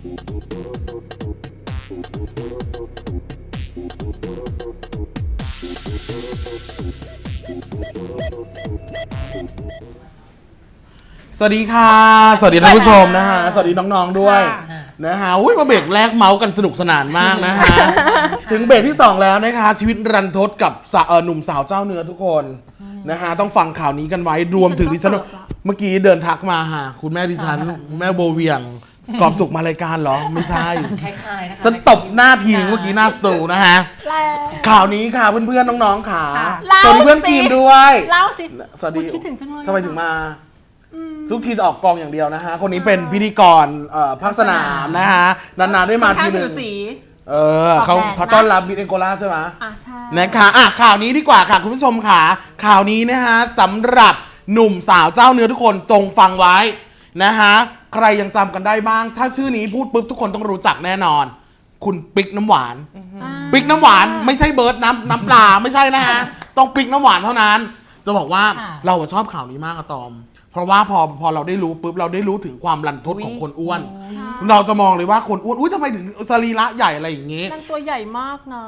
สวัสดีค่ะสวัสดีท่านผู้ชมนะฮะสวัสดีน้องๆด้วยนะฮะอุ้ยมาเบรกแรกเมาส์กันสนุกสนานมากนะฮะถึงเบรกที่2แล้วนะคะชีวิตรันทดกับหนุ่มสาวเจ้าเนื้อทุกคนนะฮะต้องฟังข่าวนี้กันไว้รวมถึงดิฉันเมื่อกี้เดินทักมาหาคุณแม่ดิฉันคุณแม่โบเวียงกอบสุขมารายการเหรอไม่ใช่ฉันตบหน้าทีนึงเมื่อกี้หน้าสตูนะฮะข่าวนี้ค่ะเพื่อนๆน้องๆค่ะสวัสดีเพื่อนทีมด้วยเล่าสิสวัสดีคิดถึงจังเลยทำไมถึงมาทุกทีจะออกกองอย่างเดียวนะฮะคนนี้เป็นพิธีกรภาคสนามนะฮะนานๆได้มาทีนึงเขาต้อนรับมิสเอ็นโกล่าใช่ไหมใช่นะคะข่าวนี้ดีกว่าค่ะคุณผู้ชมค่ะข่าวนี้นะฮะสำหรับหนุ่มสาวเจ้าเนื้อทุกคนจงฟังไว้นะฮะใครยังจำกันได้บ้างถ้าชื่อนี้พูดปุ๊บทุกคนต้องรู้จักแน่นอนคุณปิ๊กน้ำหวานปิ๊กน้ำหวานไม่ใช่เบิร์ดน้ำปลาไม่ใช่นะฮะต้องปิ๊กน้ำหวานเท่านั้นจะบอกว่าเราชอบข่าวนี้มากอะตอมเพราะว่าพอเราได้รู้ปุ๊บเราได้รู้ถึงความรันทดของคนอ้วนเราจะมองเลยว่าคนอ้วนอุ้ยทำไมถึงสรีระใหญ่อะไรอย่างงี้นั่นตัวใหญ่มากนะ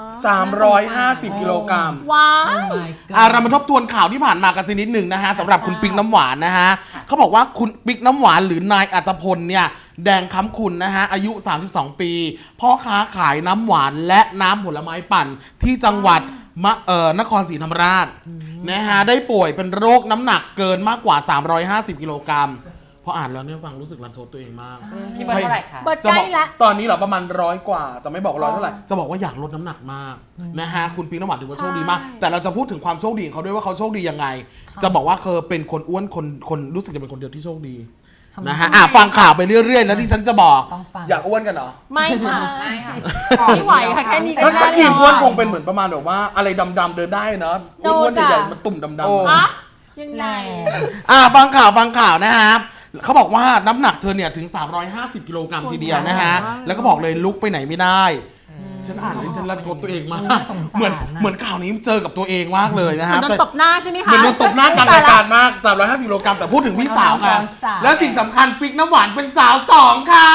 350กิโลกรัมว้าวเรามาทบทวนข่าวที่ผ่านมากันสักนิดหนึ่งนะฮะสำหรับคุณปิ๊กน้ำหวานนะฮะเขาบอกว่าคุณปิ๊กน้ำหวานหรือนายอัตพลเนี่ยแดงค้ำคุณนะฮะอายุ32ปีพ่อค้าขายน้ำหวานและน้ำผลไม้ปั่นที่จังหวัดนครศรีธรรมราชนะฮะได้ป่วยเป็นโรคน้ำหนักเกินมากกว่า350กิโลกรัมพออ่านแล้วเนี่ยฟังรู้สึกรันทดตัวเองมากพี่เบิร์ดเท่าไหร่คะเบิร์ดใกล้ละตอนนี้เหรอประมาณ100กว่าแต่ไม่บอก100เท่าไหร่จะบอกว่าอยากลดน้ำหนักมากนะฮะคุณปิ๊กน้ำหวานถือว่าโชคดีมากแต่เราจะพูดถึงความโชคดีของเขาด้วยว่าเขาโชคดียังไงจะบอกว่าเขาเป็นคนอ้วนคนรู้สึกจะเป็นคนเดียวที่โชคดีนะฮะฟังข่าวไปเรื่อยๆแล้วที่ฉันจะบอกอยากอ้วนกันเหรอไม่ค่ะไม่ไหวค่ะแค่นี้ก็ถ้าขีดอ้วนคงเป็นเหมือนประมาณแบบว่าอะไรดำๆเดินได้เนาะอ้วนใหญ่ๆมันตุ่มดำๆยังไงฟังข่าวนะฮะเขาบอกว่าน้ำหนักเธอเนี่ยถึง350กิโลกรัมทีเดียวนะฮะแล้วก็บอกเลยลุกไปไหนไม่ได้ฉันอ่านเลยฉันรันทดตัวเองมากเหมือนข่าวนี้เจอกับตัวเองมากเลยนะฮะโดนตบหน้าใช่ไหมคะเหมือนโดนตบหน้ากลางรายการมาก350กิโลกรัมแต่พูดถึงพี่สาวกันและสิ่งสำคัญปิ๊กน้ำหวานเป็นสาว2ค่ะ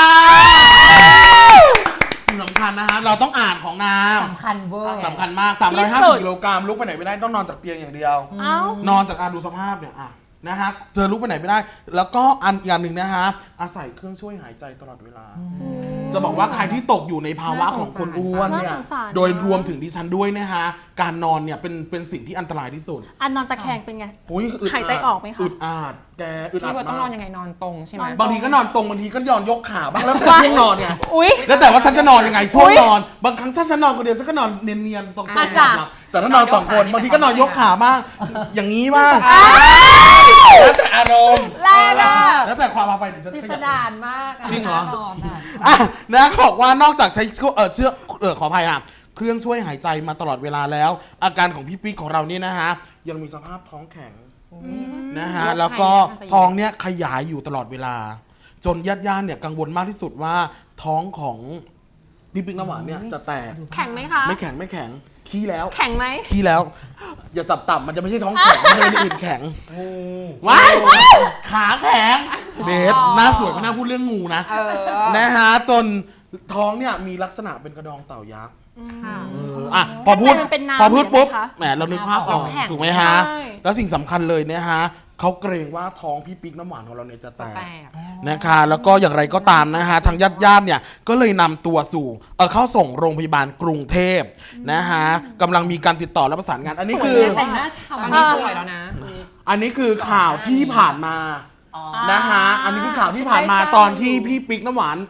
สิ่งสำคัญนะฮะเราต้องอ่านของนามสำคัญเวอร์สำคัญมาก350กิโลกรัมลุกไปไหนไม่ได้ต้องนอนจากเตียงอย่างเดียวนอนจากดูสภาพเนี่ยนะฮะเธอลุกไปไหนไม่ได้แล้วก็อย่างหนึ่งนะฮะอาศัยเครื่องช่วยหายใจตลอดเวลาจะบอกว่าใครที่ตกอยู่ในภาวะของคนอ้วนเนี่ยโดยรวมถึงดิฉันด้วยนะฮะการนอนเนี่ยเป็นสิ่งที่อันตรายที่สุดนอนตะแคงเป็นไงหายใจออกไหมคะอึดอัดแกอึดอัดมากต้องนอนยังไงนอนตรงใช่ไหมบางทีก็นอนตรงบางทีก็ยกขาบ้างแล้วแต่ช่วงนอนไงแล้วแต่ว่าฉันจะนอนยังไงช่วงนอนบางครั้งถ้าฉันนอนคนเดียวฉันก็นอนเนียนๆตรงๆแต่ถ้านอน2คนบางทีก็นอนยกขาบ้างอย่างนี้บ้างแล้วแต่อารมณ์แล้วแต่ความพาไปดิฉันพิสดารมากจริงเหรอนะบอกว่านอกจากใช้ขออภัยค่ะเครื่องช่วยหายใจมาตลอดเวลาแล้วอาการของพี่ปิ๊กของเราเนี่ยนะฮะยังมีสภาพท้องแข็งนะฮะแล้วก็ท้องเนี่ยขยายอยู่ตลอดเวลาจนญาติๆเนี่ยกังวลมากที่สุดว่าท้องของพี่ปิ๊กน้ำหวานเนี่ยจะแตกแข็งไหมคะไม่แข็งขี้แล้วแข็งไหมขี้แล้วอย่าจับต่ำมันจะไม่ใช่ท้องแข็งไม่ใช่อื่นแข็งว้ายขาแข็งเบสหน้าสวยไม่น่าพูดเรื่องงูนะฮะจนท้องเนี่ยมีลักษณะเป็นกระดองเต่ายักษ์พอพูดปุ๊บแหมเรานึกภาพออกถูกไหมฮะแล้วสิ่งสำคัญเลยนะฮะเขาเกรงว่าท้องพี่ปิ๊กน้ำหวานของเราเนี่ยจะแตกนะคะแล้วก็อย่างไรก็ตามนะฮะทางญาติเนี่ยก็เลยนำตัวเข้าส่งโรงพยาบาลกรุงเทพนะฮะกำลังมีการติดต่อและประสานงานอันนี้คือแต่งหน้าฉ่ำอันนี้สวยแล้วนะอันนี้คือข่าวที่ผ่านมานะฮะอันนี้คือข่าวที่ผ่านมาตอนที่พี่ปิ๊กน้ำหวาน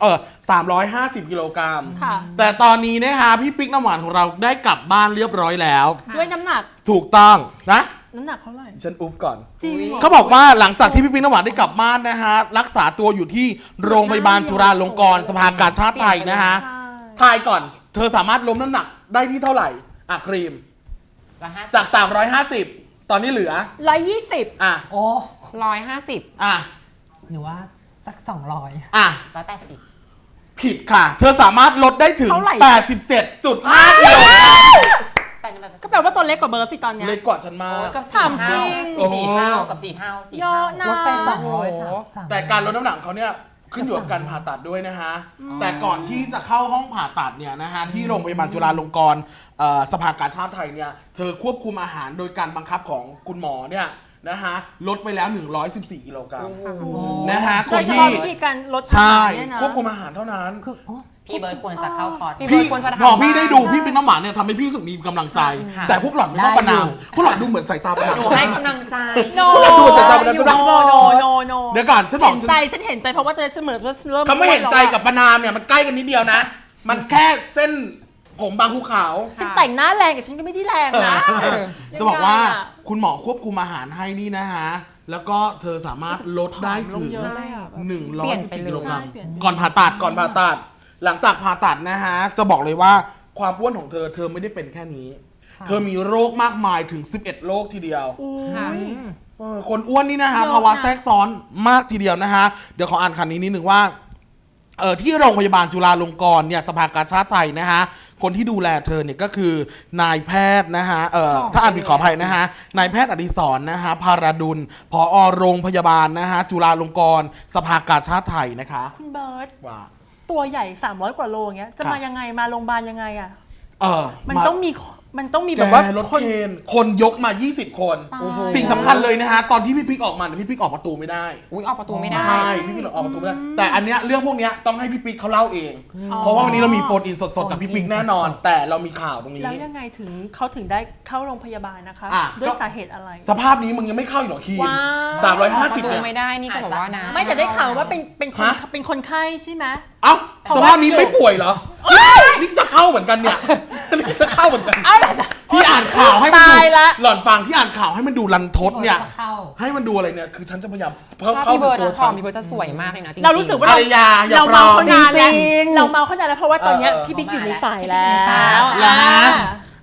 350กิโลกรัมแต่ตอนนี้นะฮะพี่ปิ๊กน้ำหวานของเราได้กลับบ้านเรียบร้อยแล้วด้วยน้ำหนักถูกต้องนะน้ำหนักเท่าไหร่ฉันอุ๊บก่อนจริงเขาบอกว่าหลังจากที่พี่ปิ๊กน้ำหวานได้กลับบ้านนะฮะรักษาตัวอยู่ที่โรงพยาบาลจุฬาลงกรณ์สภากาชาดไทยนะฮะทายก่อนเธอสามารถล้มน้ำหนักได้ที่เท่าไหร่ครีมจาก350ตอนนี้เหลือ 120 โอ้150 หรือว่าสัก200180 ผิดค่ะเธอสามารถลดได้ถึง 87.5 กิโลก็แปลว่าตัวเล็กกว่าเบิร์ดสิตอนนี้เล็กกว่าฉันมากถามจริง 4 เท่ากับ4 เท่าเยอะนะลดไป200 แต่การลดน้ำหนักเขาเนี่ยขึ้นอยู่กับการผ่าตัดด้วยนะฮะแต่ก่อนที่จะเข้าห้องผ่าตัดเนี่ยนะฮะที่โรงพยาบาลจุฬาลงกรณ์สภากาชาดไทยเนี่ยเธอควบคุมอาหารโดยการบังคับของคุณหมอเนี่ยนะฮะลดไปแล้ว114 กิโลกรัมนะฮะคโดนยเฉที่พาะวิธีการลดอาใช่หารเนี่ยนะควบคุมอาหารเท่านั้นคือพี่เบิร์ดควรจะเข้าคอร์สพี่เบิร์ดควรจะทำพอพี่ได้ดูบ้างพี่เป็นน้ำหวานเนี่ยทำให้พี่รู้สึกมีกำลังใจค่ะแต่พวกหล่อนไม่ต้องประนามพวกหล่อนดูเหมือนสายตาประนามหนูให้กำลังใจโนดูสายตาเป็นอะไรโนโนโนเดี๋ยวก่อนฉันบอกเห็นใจฉันเห็นใจเพราะว่าฉันเหมือนว่าเริ่มเขาไม่เห็นใจกับประนามเนี่ยมันใกล้กันนิดเดียวนะ มันแค่เส้นผมบางภูเขาฉันแต่งหน้าแรงกับฉันก็ไม่ได้แรงนะจะบอกว่ายังไงอะคุณหมอควบคุมอาหารให้นี่นะฮะ แล้วก็เธอสามารถลดได้ถึงเยอะเลยอะเปลี่ยนไป 114 เลยกิโลกรัมใช่เปลี่ยนก่อนผ่าตัดหลังจากผ่าตัดนะฮะ จะบอกเลยว่าความอ้วนของเธอไม่ได้เป็นแค่นี้ เธอมีโรคมากมายถึง 11 โรคทีเดียวค่ะคนอ้วนนี่นะฮะเยอะนะภาวะแทรกซ้อนมากทีเดียวนะฮะ เดี๋ยวขออ่านคันนี้นิดนึงว่าที่โรงพยาบาลจุฬาลงกรณ์เนี่ยสภากาชาดไทยนะฮะคนที่ดูแลเธอเนี่ยก็คือนายแพทย์นะฮะถ้าอ่านผิดขออภัยนะฮะนายแพทย์อดิศรนะฮะภาราดุลผอโรงพยาบาลนะฮะจุฬาลงกรณ์สภากาชาดไทยนะคะคุณเบิร์ตว่าตัวใหญ่ 300 กว่าโลอย่างเงี้ยจะครับมายังไงมาโรงพยาบาลยังไงอะมัมันต้องมีแบแบบ บว่าว่ารถคนเคนคนยกมา 20 คน สิ่งสำคัญเลยนะฮะตอนที่พี่ปิ๊กออกมาเนี่ยพี่ปิ๊กออกประตูไม่ได้อุ้ยออกประตูไม่ได้ใช่พี่ปิ๊กออกประตูไม่ได้แต่อันเนี้ยเรื่องพวกเนี้ยต้องให้พี่ปิ๊กเขาเล่าเอง เพราะว่าวันนี้เรามีโฟนอินสดๆจากพี่ปิ๊กแน่นอน แต่เรามีข่าวตรงนี้แล้วยังไงถึงเขาถึงได้เข้าโรงพยาบาลนะคะอ่ะด้วยก็สาเหตุอะไรสภาพนี้มึงยังไม่เข้าอีกเหรอคีนว้าวออกประ 350 ตูเนี่ยไม่ได้นี่ก็บอกว่านะไม่แต่ได้ข่าวว่าเป็นคนฮะเป็นคนไข้ใช่ไหมเอ้าสภาพนี้ไม่ป่วยเหรอนี่จะเข้าเหมือนกันเนี่ยนี่จะเข้าเหมือนกันเอาล่ะจ้ะที่อ่านข่าวให้มันดูตายละหล่อนฟังที่อ่านข่าวให้มันดูรันทดเนี่ยจะเข้าให้มันดูอะไรเนี่ยคือฉันจะพยายามถ้าเข้าพี่เบิร์ดตัวอะฉันพี่เบิร์ดจะสวยมากเลยนะจริงๆเรารู้สึกว่าอารยาอย่าเราปลอเมาม เขานานแล้วจริงๆเราเมาเขานานแล้วเพราะว่าตอนเนี้ยเออพี่บิ๊กอยู่ในสายแล้อยู่ในสายวแล้ว